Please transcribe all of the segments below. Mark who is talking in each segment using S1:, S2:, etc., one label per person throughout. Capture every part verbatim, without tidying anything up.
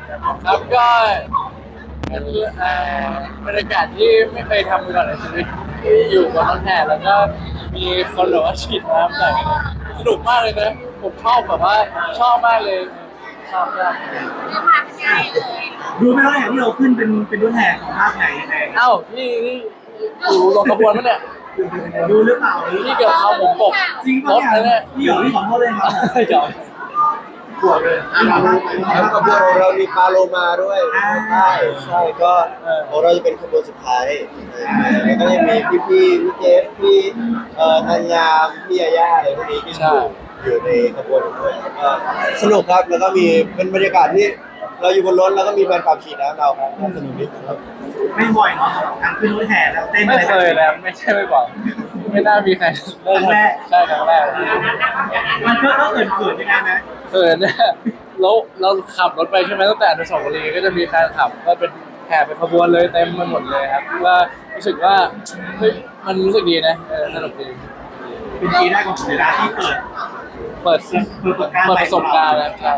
S1: ครับก็เป็นเอ่อบรรยากาศที่ไม่เคยทำมาก่อนในชีวิตที่อยู่บนรถแห่แล้วก็มีคนแบบว่าฉีดน้ำใส่กันสนุกมากเลยนะผมชอบแบบว่าชอบมากเลยชอบมาก
S2: เรื่องมาง่ายเลย
S3: ดูไหมว่าอย่างที่เราขึ้นเป็นเป็นรถแห่ของภาคไหนยังไง
S1: เอ้าพี่นี่อยู่ลงขบวนมั้ยเนี่ย
S3: ดูหรือเปล่า
S1: พี่เกือบเอาผมตก
S3: จริง
S1: ร
S3: ปะ
S1: ถเลย
S3: เนี่
S1: เนี่ย ย
S3: พี่หยอกพี่ขอโทษเลยครับ
S1: เดี๋ยว
S3: กลัวเลย
S4: แล้วขบวนของเรามีปลาโลมาด้วยใช่ใช่ก็ของเราจะเป็นขบวนสุดท้ายแล้วก็ยังมีพี่พี่พี่เจฟพี่เอ่อธัญญาพี่ยาย่าอะไรพวกนี้ที่อยู่อยู่ในขบวนด้วยก็สนุกครับแล้วก็มีเป็นบรรยากาศที่เราอยู่บนรถแล้วก็มีแฟนคลับฉีดน้ำเราครับสนุกดีครับ
S3: ไม่บ่อยเนาะการขึ้นรถแห่แล้วเต้น
S1: ไม่เคยแล้วไม่ใช่ไม่บอกไม่น่ามีใครได้ทำใช่ครั้งแรก
S3: มันก็ก็เขินเขินยังไงนะ
S1: เขินเนี่ยแล้วเราขับรถไปใช่ไหมตั้งแต่อนุสาวรีย์ก็จะมีแฟนขับก็เป็นแห่เป็นขบวนเลยเต็มไปหมดเลยครับว่ารู้สึกว่าเฮ้ยมันรู้สึกดีนะเออสนุกดี
S3: เป็นปีแรกของผมนะที่เปิด
S1: เปิดเปิดประสบการณ์แล้วใช่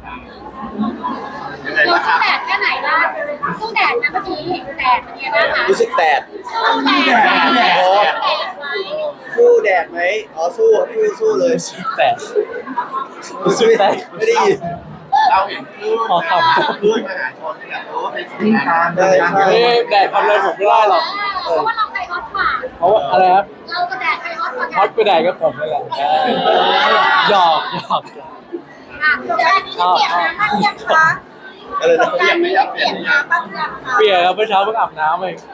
S2: เราสู้แดดแค่ไหนล่ะสู้แดดนะเมื่อกี้แดดเป็นไงบ้างคะ
S4: รู้สึกแตก
S2: สู้แดดแดดแดดแดดไหม
S4: สู้แดดไหมอ๋อสู้สู้สู้เลย
S1: แต่
S4: รู้สึกแตกไม่ได้ยิน
S3: เราเห็นคือ
S1: ขอขับ
S3: ด้วยมหาชนแบบโอ้เป็นวิ่งตาม
S4: ใช่ใช่
S1: เฮ้ยแดดทำอะไรผมไม่ได้หรอก
S2: เพราะว่าเราใจฮอตกว่า
S1: เพราะว่าอะไรครับ
S2: เราก็แดดใครฮอตกว่า
S1: ฮอตไปไหนก็ผมนี่แหละหยอกหยอก
S2: อ่ะเดี๋ยวอันนี้จะเปลี่ยนน้ำบ้างยังคะ
S4: อะไร
S2: ส
S4: นะ
S2: งกรานต์นี้จะเปลี่ยนน้ำบ้างยังคะ
S1: เปียกครับเมื่อเช้าเพิ่งอาบน้ำเอง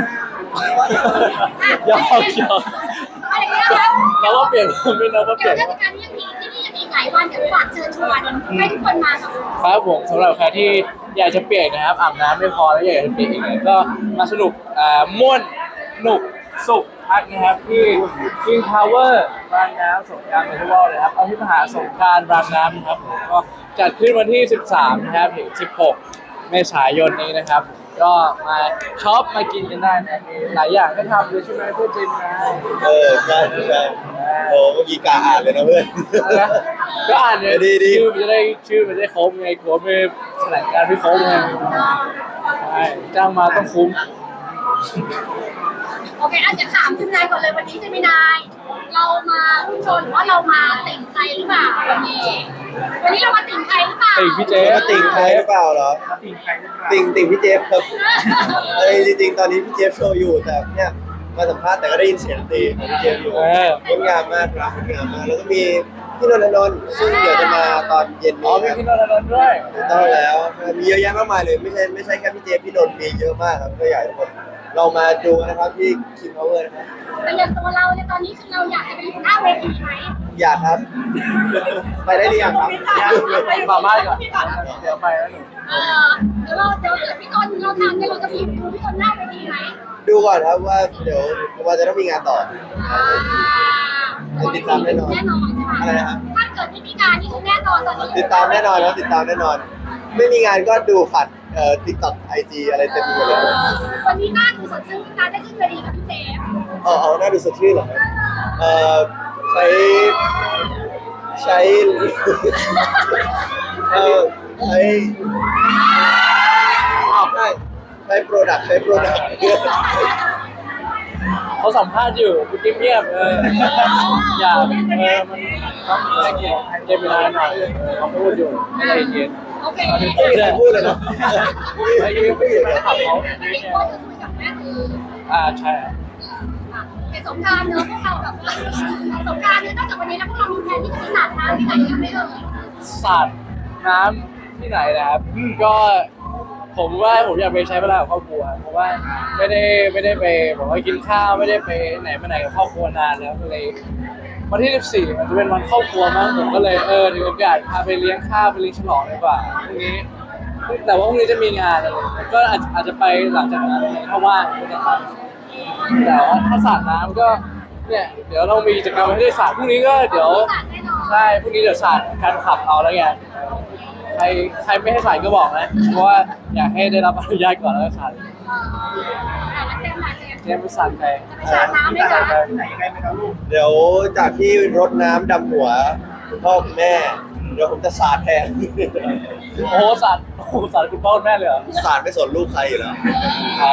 S1: หยอกหยอก
S2: อะไรเงี้ยครับ
S1: เราว่าเปลี่ยนไม่เราว่าเป
S2: เดี๋
S1: ลี่
S2: ย
S1: ยว น
S2: เทศกาลนี้ยังมีที่นี่ยังมีหลายวันเดี๋ยวฝากเชิญชวนให้ทุกคนมากับ
S1: ครับผมสำหรับใครที่อยากจะเปียกนะครับอาบน้ำไม่พอแล้วอยากจะเปียกอีกเลยก็มาสนุกอ่าม่วนสนุกสุขพักนะครับที่ King Power รางน้ำสงกรานต์เฟสติวัลเลยครับเอาที่มหาสงกรานต์รางน้ำนะครับผมก็จัดขึ้นวันที่ สิบสาม นะครับถึง สิบหก เมษายนนี้นะครับ ก็มาช็อปมากินกันได้นะมีหลายอย่างก็ทำเลยใช่ไหมเพื่อนจินนะ
S4: เออใช่ใช่โอ้เมื่อกี้กาอ่านเลยนะเพื่อน
S1: นะก็อ่านเนี่ย
S4: ดีดี
S1: ชื่อมันจะได้ชื่อมันจะได้ครบไงกลัวไม่แถลงการไม่ครบไงใช่จ้างมาต้องคุ้ม
S2: โอเคอาจจะถามคุณนายก่อนเลยวันนี้จะมีนาย เรามาผู้ชนหรือว่าเรามาติ่งใครหรือเปล่าวันนี้ วันนี้เรามาติ่งใครหรือเปล่า
S1: ติ่งพี่เจ
S4: มาติ่งใครหรือเปล่าเหรอ
S3: ติ่งใครหรือเปล่า
S4: ติ่งติ่งพี่เจฟครับเออจริงๆตอนนี้พี่เจฟโชว์อยู่แต่เนี่ยมาสัมภาษณ์แต่ก็ได้ยินเสียงดนตรีของพี่เจฟอยู่
S1: เออง
S4: ดงามมากครับงดงามมากแล้วก็มีพี่นนทนนท์ซึ่งเดี๋ยวจะมาตอนเย็น
S1: อ๋อ
S4: นี้
S1: มี
S4: ครับ
S1: พี่นนท์นนท์ด้วย
S4: ถูกต้องแล้วมีเยอะแยะมากมายเลยไม่ใช่ไม่ใช่แค่พี่เจฟพี่นนท์มีเยอะมากครับก็อยากให้ทุกคนเรามาดูนะครับที่ King Power นะครับ
S2: แต่อย่างตัวเราเนี่ยตอนนี้คือเราอยากจะไปอยู่หน้าเวทีไหม
S4: อยากครับ ไปได้หรือยังครับ
S1: มาบ้านก่อนเดี๋ยวไปแล้วหนู
S2: เออเดี๋ยวเราเดี๋ยวเดี๋ยวพี่ต้นเราทำเนี่ยเราจะไปอยู่ดูพี่ต้นหน้าเวทีไหม
S4: ดูก่อนครับว่าเดี๋ยวว่าจะต้องมีงานต่อ
S2: อ่า
S4: ติดตามแน่นอน
S2: แน่นอนใช่ไหม
S4: อะไรนะครับ
S2: ถ้าเกิดไม่มีงานนี่คือแน่นอนตอนนี้
S4: ติดตามแน่นอนครับติดตามแน่นอน ไม่มีงานก็ดูผ่านเอ่อ TikTok ไอ จี อะไรเต็มไปหมดเลย
S2: วันนี้หน้าดูสดชื่นการได้ขึ้นเวทีกับพี่เจมส์
S4: เอาเอาหน้าดูสดชื่นเหรอครับเอ่อใช้ใช้เอ่อใช้อ้าวใช่ใช้โปรดักต์ใช้โปรดักต์
S1: เขาสัมภาษณ์อยู่คุณกิ๊บเงียบเอออย่าเออมันต้องให้เกียรติเจมินายหน่อยเขาพูดอยู่ไม่ได้เย็น
S2: โอเค
S4: ไม่มีใครพูดเลยเนาะ
S1: ไอ้ยี่ไม่อยู่ในขับเขา
S2: วันนี้ก็จะคุยกับแม่คือ
S1: อ่าใช่
S2: เป็นสงการเนอะพวกเราแบบสงการเนี่ยนอกจากวันนี้แล้วพวกเรามีแผนที่จะไปสาดน้ำที่ไหนกันไหมเอ่ย
S1: สาดน้ำที่ไหนนะครับก็ผมว่าผมอยากไปใช้เวลากับครอบครัวเพราะว่าไม่ได้ไม่ได้ไปบอกว่ากินข้าวไม่ได้ไปไหนมาไหนกับครอบครัวนานแล้วก็เลยวันที่สิบสี่มันจะเป็นวันครอบครัวมั้งผมก็เลยเออถือโอกาสพาไปเลี้ยงข้าวไปเลี้ยงฉลองดีกว่าพรุ่งนี้แต่ว่าพรุ่งนี้จะมีงานอะไรก็อาจอาจจะไปหลังจากนั้นถ้าว่างก็จะไปแต่ว่าถ้าสาดน้ำก็เนี่ยเดี๋ยวเรามีกิจกรรมให้ได้สาดพรุ่งนี้ก็เดี๋ยว
S2: สาดแน่นอน
S1: ใช่พรุ่งนี้เดี๋ยวสาดการขับเอาแล้วกันใครใครไม่ให้สาดก็บอกนะเพราะว่าอยากให้ได้รับอนุญาตก่อนแล้วก็สาด
S2: เออแล้วเจมส์ล่ะเจมส์
S1: เจมส์ไปสาดใคร
S2: จะไปสาดน้ำไหมจ๊ะ
S3: ที่ไหนยังไงไหมครับลูก
S4: เดี๋ยวจากที่รดน้ำดำหัวคุณพ่อคุณแม่ดี๋ยวผมจะสาดแทน
S1: โอ้โหสัตว์โอ้โหสัตว์คุณพ่อคุณแม่เลยเหรอ
S4: สาดไม่สนลูกใครอยู่แล้ว
S1: อ๋อ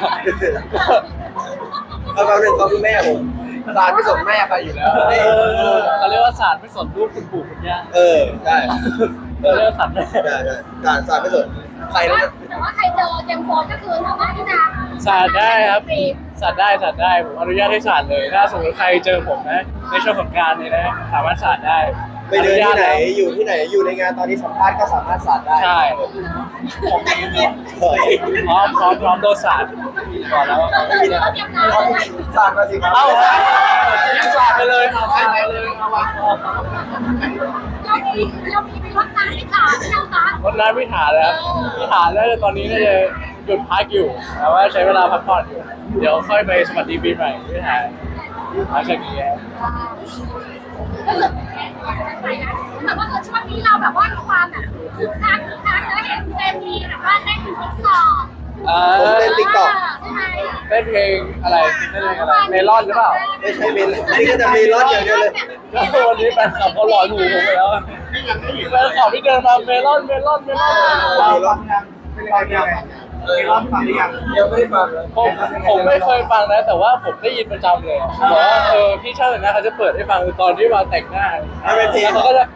S4: เอาคำหนึ่งเขาคือแม่ผมสาดไม่สนแม่ใครอยู่แล้ว
S1: เออเขาเรียกว่าสัตว์ไม่สนลูกคุณปู่คุณย่า
S4: เออใช่
S1: เขาเรียกว่าสัตว์แม่
S4: ใช่ใช่สาดสาดไม่สนใคร
S2: แต่
S4: แล้ว
S2: ว่าแต่ว่าใครเจอเจมส์โฟนก็คือสามารถที่จะ
S1: สัตว์ได้ครับสัตว์ได้สัตว์ได้ผมอนุญาตให้สัตว์เลย ถ้าสมมติใครเจอผมนะในช่วงสงกรานต์เนี่ยนะสามารถสัตว์ได้
S4: ไปเดินที่ไหนอยู่ที่ไหนอยู่ในงานตอนนี้สัมภาษณ์ก็สามารถสาดได้
S1: ใช่
S2: ผมไม่ได้
S4: เฮ้ย
S1: พร้อมพร้อมพร้อมโดนสัตว์ก่อนแล้ว
S2: ไม่มีนะเตรียมน้ำเลย
S4: สาดมาสิครับ
S1: เอ้าสัตว์ไปเลยเอาสัตว์ไปเลยเอาวะ
S2: เรามีเรามีไปรดน้ำให้ขาใช่ไหมคะ
S1: วันนั้นพี่ถาเลยครับพี่ถาแล้วตอนนี้น่าจะหยุดพักอยู่แต่ว่าใช้เวลาพักผ่อนอยู่ เดี๋ยวค่อยไปสวัสดีปีใหม่พี่ถาหลังจากนี้
S2: ก็คือไปนะแต่ว่าช่วงนี้เราแบบว่ามีความแบบคึกคักคึกคักแล้วเห็นเจมมีแบบว่าเต้นติ๊กต็อก
S1: อ่า
S4: ผมเล่นติ๊กต็อก
S2: ใช่ไหม
S1: เต้นเพลงอะไรเต้นเพลงอะไรเมลอนหรือเปล่า
S4: ไม่ใช่เมนนี่ก็จะมีรถอย่างเดียวเลย
S1: แล้ววันนี้แฟนคลับเขาหลอนหูผมไปแล้วแฟนคลับที่เดินมาเมลอนเมลอนเมลอน
S4: มีรถ
S3: เป็นยังไงเป็นยังไงมีรอบฟังหรือยัง
S4: ยังไม่ได้ฟังเลย
S1: ผมผมไม่เคยฟังนะ แต่ว่าผมได้ยินประจำเลยบอกว่าเออพี่ช่างแต่งหน้าเขาจะเปิดให้ฟังตอนที่มาแต่งหน้าแล้วเขาก็จะ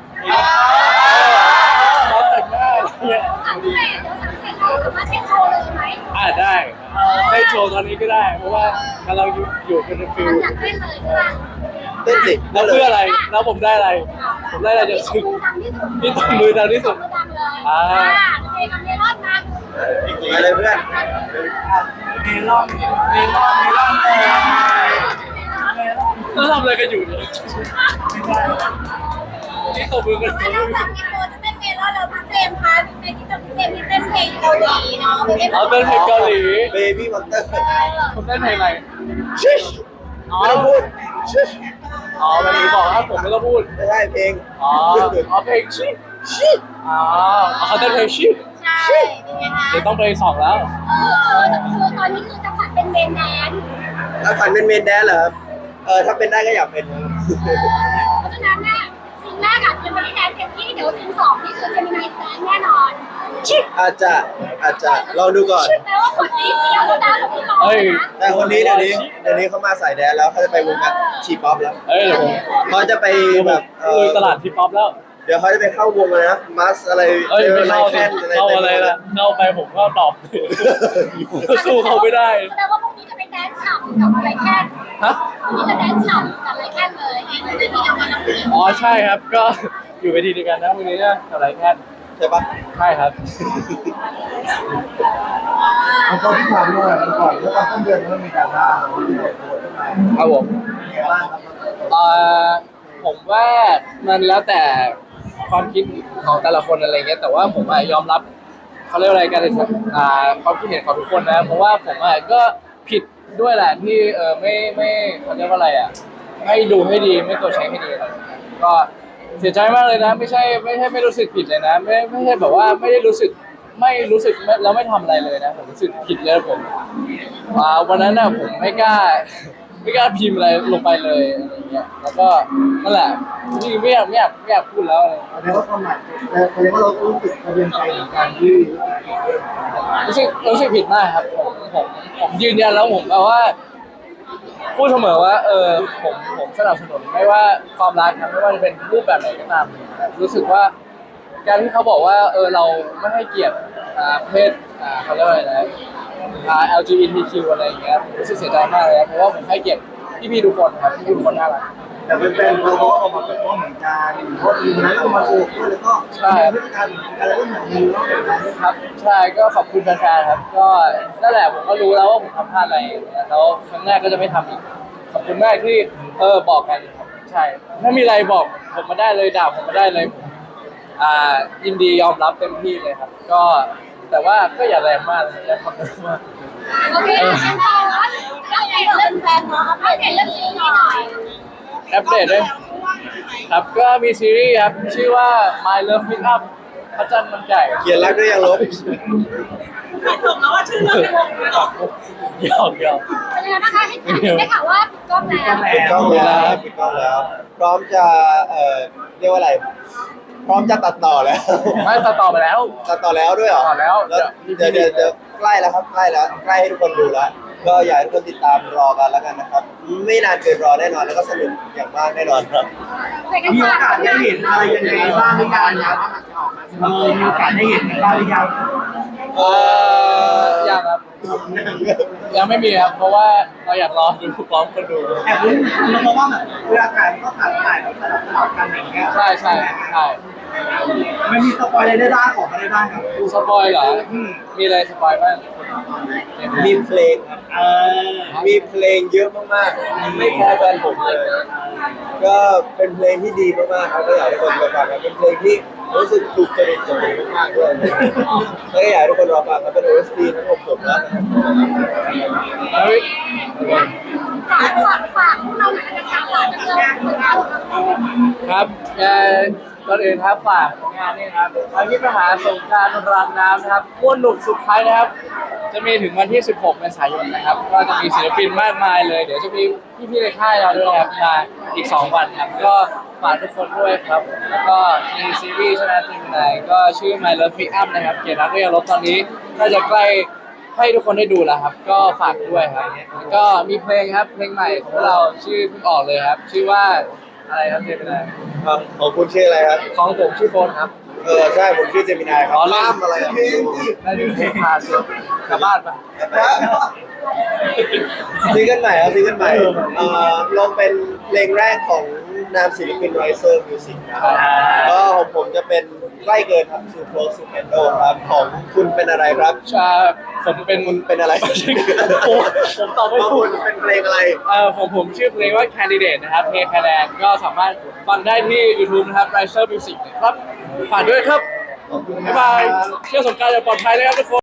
S1: เขาแต่งหน้าอะไรเงี้ย
S2: สังเกตเดี๋ยวสังเกตเราสามารถเต้นโชว์เลยไหม
S1: อ่าได้ได้โชว์ตอนนี้ก็ได้ เพราะว่ากำลังอยู่อยู่เป็นฟิล
S2: อยากเต้นเลยใช่ไหม
S4: เต้นสิ
S1: แล้วเพื่ออะไรแล้วผมได้อะไร ผมได้อะไรจาก
S2: ที่
S1: ซึ่ง
S2: ตบมือดังที่สุด
S1: ที่ตบมือดังที่สุด
S2: ตบมือดังเลย
S1: อ่า
S2: อ่าเพลงกับเมลอนนะ
S4: มาเลยเพื่อน
S3: เมลอนเมลอนเมลอนเลย
S1: แล้วทำอะไรกันอยู่เนี่ยนี่ตบมือกัน
S2: ถ้าเราจากมีโฟจะเต้นเมลอนแล้วพี่เจมส์คะในที่ตบพี่เจมส์ที่เต้นเพลงเกาหลีเนาะไปเต้น
S1: เอาเต้นเพลงเกาหลี
S4: เบบี้มอนเตอร์
S1: ผมเต้นเพลงอะไร
S4: ชิชไม่ต้องพูดชิช
S1: อ๋อวันนี้บอกว่าผมไม่ต้องพูด
S4: ไม่ใช่เพลง
S1: อ๋ออ๋อเพลงชิชิอ๋อเขาเต้นเพลงชิ
S2: ใช่เป็นไงคะ
S1: เดี๋ยวต้องไปสองแล้ว
S2: เออคือตอนนี้คือจะผัดเป็นเมนแดน
S4: แล้วฝันเป็นเมนแดนเหรอครับเออถ้าเป็นได้ก็อยากเป็นครับ
S2: เพราะฉะนั้นเนี่ยซีนแรกอาจจะไม่ได้แดนเต็มที่เดี๋ยวซีนสองนี่คือจะมีนายแดนแน่นอน
S4: อาจจะอาจจะลองดูก่อน
S2: แปลว่าคนนี้เดียวแล้วนะคนที่รอ
S1: เฮ้ย
S2: นะ
S4: แต่คนนี้เดี๋ยวนี้เดี๋ยวนี้เขามาสายแดนแล้วเขาจะไปวงการชีป๊อปแล้ว
S1: เอ้ยเดี๋ยวผม
S4: เขาจะไปแบบเอ
S1: ลุ
S4: อย
S1: ตลาดทีป๊อปแล้ว
S4: เดี๋ยวเขาจะไปเข้าวงเลยนะมัสอะไร
S1: เอ้ยไม่เข้า
S4: แค
S1: สิ
S4: นอะไร
S1: เข้าอะไรล่ะเข้าไปผมก็ตอบสู้เขาไม่ได้
S2: แสดงว่าพวกนี้จะไปแดนฉ่ำกับอะไรแค่
S1: ฮะ
S2: พวกนี้จะแดนฉ่ำกับอะไรแค่เลยไงในที่เดียวกันแล้วพี่
S1: อ๋อใช่ครับก็อยู่เวทีเดียวกันนะวันนี้นะอะไรแค่
S4: ใช่ปะ
S1: ใช่ครับ
S3: แล้วก็ที่ทำด้วยมันก่อนแล้วก็ต้นเดือนมันมีการล่าที่ไหนโดนทำไม
S1: ครับผม
S3: มีอะไรบ้างครับ
S1: เอ่อผมว่ามันแล้วแต่ความคิดของแต่ละคนอะไรเงี้ยแต่ว่าผมอะยอมรับเขาเรียกอะไรกันเลยอ่าความคิดเห็นของทุกคนนะเพราะว่าผมอะก็ผิดด้วยแหละที่เออไม่ไม่เขาเรียกว่าอะไรอ่ะไม่ดูให้ดีไม่ตัวจเช็คให้ดีอะไรก็เสียใจมากเลยนะ ไม่ใช่ไม่ใช่ไม่รู้สึกผิดเลยนะ ไม่ไม่ใช่แบบว่าไม่ได้รู้สึกไม่รู้สึกไม่แล้วไม่ทำอะไรเลยนะผมรู้สึกผิดเลยผมอ่าวันนั้นน่ะผมไม่กล้า ไม่กล้าพิมพ์อะไรลงไปเลยอะไรเงี้ย แล้วก็นั่นแหละจริงๆไม่อยากไม่อยากไม่อยากพูดแล้วอะไร
S3: แสดงว่าความหมายแสดงว่าเรารู้สึกกระเบียนใจในการที่
S1: รู้สึกรู้สึกผิดมากครับผมผมผมยืนยันแล้วผมแบบว่า พูดเสมอว่า เออผมผมสนับสนุนไม่ว่าความรักนะไม่ว่าจะเป็นรูปแบบไหนก็ตามรู้สึกว่า การที่เขาบอกว่า เออเราไม่ให้เกียรติอ่าเพศอ่าเขาเรียกว่าอะไรนะอ่า แอล จี บี ที คิว อะไรอย่างเงี้ยผมรู้สึกเสียใจมากเลยนะเพราะว่าผมให้เกียรติพี่ๆทุกคนครับพี่ๆทุกคนน่ารัก
S3: แต่เป็นเป็นเราก็ออกมาเป็นข้อเหมือนกันเพราะทีนั้นก็มาโชว์ด้วยแล้วก็พฤติกรรมอะไรก็เหมือนกันเนาะ
S1: ครับใช่ก็ขอบคุณแฟนๆครับ ก็นั่นแหละผมก็รู้แล้วว่าผมทำพลาดอะไรแล้วครั้งหน้าก็จะไม่ทำอีกขอบคุณมากที่เออบอกกันครับใช่ถ้ามีอะไรบอกผมมาได้เลยด่าผมมาได้เลยผมอ่ายินดียอมรับเต็มที่เลยครับ ก็แต่ว่าก็อย่าแรงมากเลยอย่าทำแรงมาก
S2: โอเคฉันเอาว่าเราเปลี่ยนเรื่องแฟนเนาะเราเปลี่ยนเรื่องซีนี้หน่อย
S1: อัปเดตด้วยครับก็มีซีรีส์ครับชื่อว่า My Love Pick Up พระจันทร์มันใหญ่
S4: เขียนรักด้วยยังลบ
S2: ถูกแล้วว่าชื่อเรื่องในวงเลยหรอ
S1: หยอกหยอก
S2: เป็นยังไงบ้างคะให้ถามได้ข่าวว่าปิดกล้องแล้ว
S4: ปิดกล้องแล้วปิดกล้องแล้ว พร้อมจะเอ่อเรียกว่าอะไรพร้อมจะตัดต่อแล้ว
S1: ไม่ตัดต่อไปแล้ว
S4: ตัดต่อแล้วด้วยเหรอ
S1: ตัดแล้ว
S4: เดี๋ยวเดี๋ยวเดี๋ยวใกล้แล้วครับใกล้แล้วใกล้ให้ทุกคนดูแล้วก็อยากให้ทุกคนติดตามรอกันแล้วกันนะครับ ไม่นานเกินรอแน่นอนแล้วก็สนุกอย่างมากแน่นอนครับ
S2: แต่กัน
S3: มีโอ
S2: ฝาก
S3: กาสได้เห็นอะไรยังไงบ้างหรือยังครับเออมีโอกาสได้เห็นกันบ้างหรือยัง
S1: เออยังครับยังไม่มีครับเพราะว่าเราอยากรอดูพร้อมกันดู
S3: แอบรู้เพราะว่าแบบเวลาถ่ายก็ถ่ายถ่ายแบบสลับสลับกันอย่างเงี้ย
S1: ใช่ใช่ใช่
S3: มันมีสปอยอะไรได้บ้างออกมาได้บ้างครับ
S1: สปอยเหรอมีอะไรสปอยบ้าง
S4: มีเพลงครับ
S3: เออ
S4: มีเพลงเยอะมากๆไม่แพ้แฟนผมเลย ก็เป็นเพลงที่ดีมากๆครับก็อยากให้ทุกคนไปฟังครับเป็นเพลงที่รู้สึกถูกจริตกับผมมากๆด้วยแล้วก็อยากให้ทุกคนรอฟังครับเป็น โอ เอส ที ทั้งของผมและนะครับ
S1: เฮ้ย
S2: ฝากฝากฝากพวกเราหน่อยนะคะฝากกันเลยผลงานของเรา
S1: ครับเอ่อก่อนอื่นครับฝากงานนี้ครับทางที่มหาสงกรานต์รางน้ำนะครับม้วนหนุกสุดท้ายนะครับ จะมีถึงวันที่ สิบหก เมษายนนะครับ ก็จะมีศิลปินมากมายเลย เดี๋ยวจะมีพี่ๆในค่ายเราด้วยครับมาอีก สอง วันครับ ก็ฝากทุกคนด้วยครับ แล้วก็มีซีรีส์ชนะจิมนายก็ชื่อ My Love Pick Up นะครับ เกียรติรักเรียกรบตอนนี้ก็จะใกล้ให้ทุกคนได้ดูแล้วครับ ก็ฝากด้วยครับแล้วก็มีเพลงครับ เพลงใหม่ของเราชื่อเพิ่งออกเลยครับ ชื่อว่าอะไรครับเจมินาย
S4: ครับของคุณชื่ออะไรครับ
S1: ของผมชื่อโฟนครับ
S4: เออใช่ผมชื่อเจมินายครับ
S1: อ๋อเล่น
S4: ล่ามอะไรอ่ะ
S1: ได้ดูเพลงพาเสียกลับบ้านปะ
S4: ซิงเกิลใหม่ครับซิงเกิลใหม่เอ่อลงเป็นเพลงแรกของนามศิลปิน Riser Music นะครับก็ของผมจะเป็นใกล้เกินครับ Too Close to Handle ครับของคุณเป็นอะไรครับ
S1: ชาผมเป็น
S4: คุณเป็นอะไร
S1: โอ้ผมตอบไม่
S4: ของ
S1: ถู
S4: คุ
S1: ก
S4: ณเป็นเพลงอะไร
S1: เอ่อของผมชื่อเพลงว่า Candidate นะครับเพลงคะแนนก็สามารถฟังได้ที่ YouTube นะครับ Riser Music นะครับฝากด้วยครับ
S4: ขอบคุณ
S1: บ๊ายบายเที่ยวสงกรานต์อย่างปลอดภัยนะครับทุกคน